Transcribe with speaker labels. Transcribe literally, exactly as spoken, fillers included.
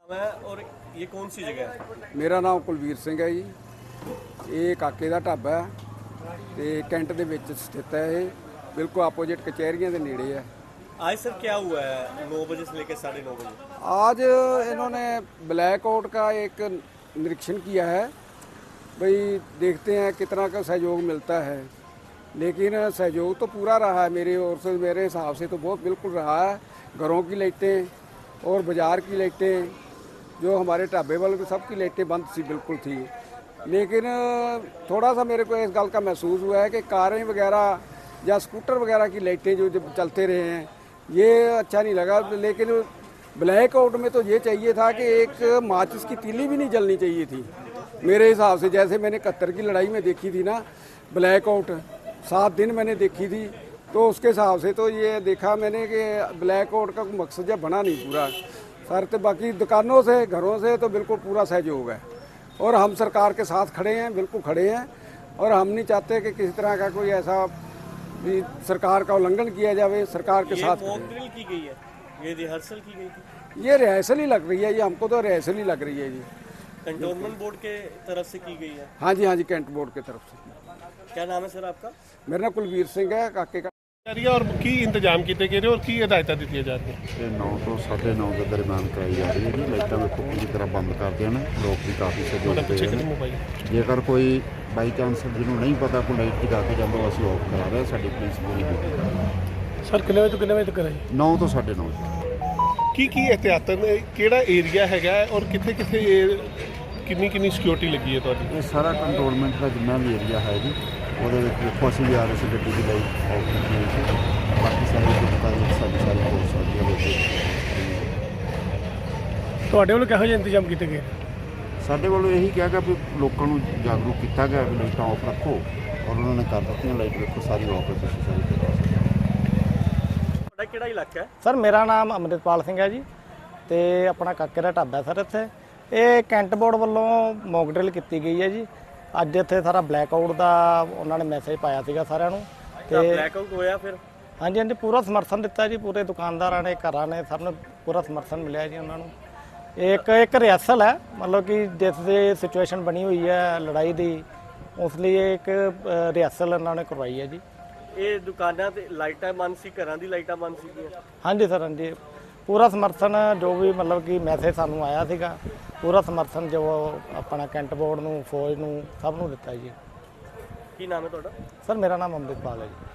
Speaker 1: मैं और ये कौन सी जगह है?
Speaker 2: ਮੇਰਾ ਨਾਮ ਕੁਲਵੀਰ ਸਿੰਘ ਹੈ ਜੀ। ਇਹ ਕਾਕੇ ਦਾ ਢਾਬਾ ਹੈ ਤੇ ਕੈਂਟ ਦੇ ਵਿੱਚ ਸਥਿਤ ਹੈ। ਇਹ ਬਿਲਕੁਲ ਆਪੋजिट कचहरियां ਦੇ ਨੇੜੇ ਹੈ।
Speaker 1: आज सर क्या हुआ है नौ बजे से लेकर साढ़े नौ बजे?
Speaker 2: आज इन्होंने ब्लैक आउट का एक निरीक्षण किया है, भाई देखते हैं कितना का सहयोग मिलता है। लेकिन सहयोग तो पूरा रहा है मेरे ओर से, मेरे हिसाब से तो बहुत बिल्कुल रहा है। घरों की लाइटें और बाज़ार की लाइटें, जो हमारे ढाबे वाले सबकी लाइटें बंद सी बिल्कुल थी। लेकिन थोड़ा सा मेरे को इस गल का महसूस हुआ है कि कारें वगैरह या स्कूटर वगैरह की लाइटें जो जब चलते रहे हैं ये अच्छा नहीं लगा। लेकिन ब्लैक आउट में तो ये चाहिए था कि एक माचिस की तीली भी नहीं जलनी चाहिए थी मेरे हिसाब से। जैसे मैंने इकहत्तर की लड़ाई में देखी थी ना ब्लैक आउट, सात दिन मैंने देखी थी, तो उसके हिसाब से तो ये देखा मैंने कि ब्लैक आउट का मकसद जब बना नहीं पूरा सर। तो बाकी दुकानों से घरों से तो बिल्कुल पूरा सहयोग है और हम सरकार के साथ खड़े हैं, बिल्कुल खड़े हैं। और हम नहीं चाहते कि किसी तरह का कोई ऐसा भी सरकार का उल्लंघन किया जाए। सरकार के साथ
Speaker 1: मॉक ड्रिल की गई है, ये रिहर्सल की गई थी?
Speaker 2: ये रिहर्सल ही लग रही है, ये हमको तो रिहर्सल ही लग रही है जी।
Speaker 1: कंटोनमेंट बोर्ड के तरफ से की गई है?
Speaker 2: हाँ जी, हाँ जी, कैंट बोर्ड की तरफ से।
Speaker 1: क्या नाम है सर आपका?
Speaker 2: मेरा नाम कुलवीर सिंह है, काके का।
Speaker 3: और की इंतजाम किए गए और की हदायतां दी जा रही
Speaker 4: ਇਹ ਨੌ ਤੋਂ ਸਾਢੇ ਨੌ ਦੇ ਦਰਮਿਆਨ ਕਰਾਈ ਜਾ ਰਹੀ ਹੈ ਜੀ। ਲਾਈਟਾਂ ਵੇਖੋ ਪੂਰੀ ਤਰ੍ਹਾਂ ਬੰਦ ਕਰ ਦੇਣ, ਲੋਕ ਵੀ ਕਾਫੀ ਸਹਿਯੋਗ ਦੇ ਰਹੇ ਨੇ। ਜੇਕਰ ਕੋਈ ਬਾਈ ਚਾਂਸ ਜਿਹਨੂੰ ਨਹੀਂ ਪਤਾ ਕੋਈ ਲਾਈਟ ਜਗਾ ਕੇ ਜਾਂਦਾ ਉਹ ਅਸੀਂ ਆਫ ਕਰਾ ਰਹੇ। ਸਾਡੀ ਪੁਲਿਸ ਪੂਰੀ ਡਿਊਟੀ
Speaker 3: ਸਰ ਕਿੰਨੇ ਵਜੇ ਤੋਂ ਕਿੰਨੇ ਵਜੇ ਤੱਕ ਹੈ?
Speaker 4: ਨੌ ਤੋਂ ਸਾਢੇ ਨੌ।
Speaker 3: ਕੀ ਕੀ ਇhtiyatan ਕਿਹੜਾ ਏਰੀਆ ਹੈਗਾ ਔਰ ਕਿੱਥੇ ਕਿੱਥੇ ਕਿੰਨੀ ਕਿੰਨੀ ਸਿਕਿਉਰਿਟੀ ਲੱਗੀ ਹੈ ਤੁਹਾਡੀ?
Speaker 4: ਇਹ ਸਾਰਾ ਕੰਟਰੋਲਮੈਂਟ ਦਾ ਜਿੰਨਾ ਵੀ ਏਰੀਆ ਹੈ ਜੀ, ਉਹਦੇ ਵਿੱਚ ਦੇਖੋ ਅਸੀਂ ਵੀ ਆ ਰਹੇ ਸੀ, ਗੱਡੀ ਦੀ ਲਾਈਟ ਆਫ ਕੀਤੀ ਹੋਈ ਸੀ। ਬਾਕੀ ਸਾਰੇ ਦੁਕਾਨਾਂ ਵਿੱਚ ਸਾਡੀ ਸਾਰੀ ਪੁਲਿਸ ਲੱਗੀ ਹੋਈ ਹੈ।
Speaker 3: ਤੁਹਾਡੇ ਵੱਲੋਂ ਕਿਹੋ ਜਿਹੇ ਇੰਤਜ਼ਾਮ ਕੀਤੇ ਗਏ?
Speaker 4: ਸਾਡੇ ਵੱਲੋਂ ਇਹੀ ਕਿਹਾ ਗਿਆ ਵੀ ਲੋਕਾਂ ਨੂੰ ਜਾਗਰੂਕ ਕੀਤਾ ਗਿਆ ਵੀ ਲਾਈਟਾਂ ਆਫ ਰੱਖੋ, ਔਰ ਉਹਨਾਂ ਨੇ ਕਰ ਦਿੱਤੀਆਂ। ਲਾਈਟ ਵੇਖੋ ਸਾਰੀ ਆਫ ਹੈ, ਤੁਸੀਂ ਸਾਰੀ
Speaker 1: ਤੁਹਾਡਾ ਕਿਹੜਾ ਇਲਾਕਾ ਹੈ?
Speaker 5: ਸਰ ਮੇਰਾ ਨਾਮ ਅੰਮ੍ਰਿਤਪਾਲ ਸਿੰਘ ਹੈ ਜੀ ਤੇ ਆਪਣਾ ਕਾਕੇ ਦਾ ਢਾਬਾ ਸਰ। ਇੱਥੇ ਇਹ ਕੈਂਟ ਬੋਰਡ ਵੱਲੋਂ ਮੌਕ ਡਰਿਲ ਕੀਤੀ ਗਈ ਹੈ ਜੀ। ਅੱਜ ਇੱਥੇ ਸਾਰਾ ਬਲੈਕ ਆਊਟ ਦਾ ਉਹਨਾਂ ਨੇ ਮੈਸੇਜ ਪਾਇਆ ਸੀਗਾ ਸਾਰਿਆਂ ਨੂੰ
Speaker 1: ਤੇ ਬਲੈਕ ਆਊਟ ਹੋਇਆ ਫਿਰ?
Speaker 5: ਹਾਂਜੀ ਹਾਂਜੀ, ਪੂਰਾ ਸਮਰਥਨ ਦਿੱਤਾ ਜੀ। ਪੂਰੇ ਦੁਕਾਨਦਾਰਾਂ ਨੇ, ਘਰਾਂ ਨੇ, ਸਭ ਨੂੰ ਪੂਰਾ ਸਮਰਥਨ ਮਿਲਿਆ ਜੀ ਉਹਨਾਂ ਨੂੰ। ਇੱਕ ਇੱਕ ਰਿਹਰਸਲ ਹੈ, ਮਤਲਬ ਕਿ ਜਿਸ ਦੀ ਸਿਚੁਏਸ਼ਨ ਬਣੀ ਹੋਈ ਹੈ ਲੜਾਈ ਦੀ, ਉਸ ਲਈ ਇੱਕ ਰਿਹਰਸਲ ਇਹਨਾਂ ਨੇ ਕਰਵਾਈ ਹੈ ਜੀ।
Speaker 1: ਇਹ ਦੁਕਾਨਾਂ ਤੇ ਲਾਈਟਾਂ ਬੰਦ ਸੀ, ਘਰਾਂ ਦੀ ਲਾਈਟਾਂ ਬੰਦ ਸੀਗੀਆਂ?
Speaker 5: ਹਾਂਜੀ ਸਰ, ਹਾਂਜੀ, ਪੂਰਾ ਸਮਰਥਨ ਜੋ ਵੀ ਮਤਲਬ ਕਿ ਮੈਸੇਜ ਸਾਨੂੰ ਆਇਆ ਸੀਗਾ, ਪੂਰਾ ਸਮਰਥਨ ਜੋ ਆਪਣਾ ਕੈਂਟ ਬੋਰਡ ਨੂੰ, ਫੌਜ ਨੂੰ, ਸਭ ਨੂੰ ਦਿੱਤਾ ਜੀ।
Speaker 1: ਕੀ ਨਾਮ ਹੈ ਤੁਹਾਡਾ?
Speaker 5: ਸਰ ਮੇਰਾ ਨਾਮ ਅੰਮ੍ਰਿਤਪਾਲ ਹੈ ਜੀ।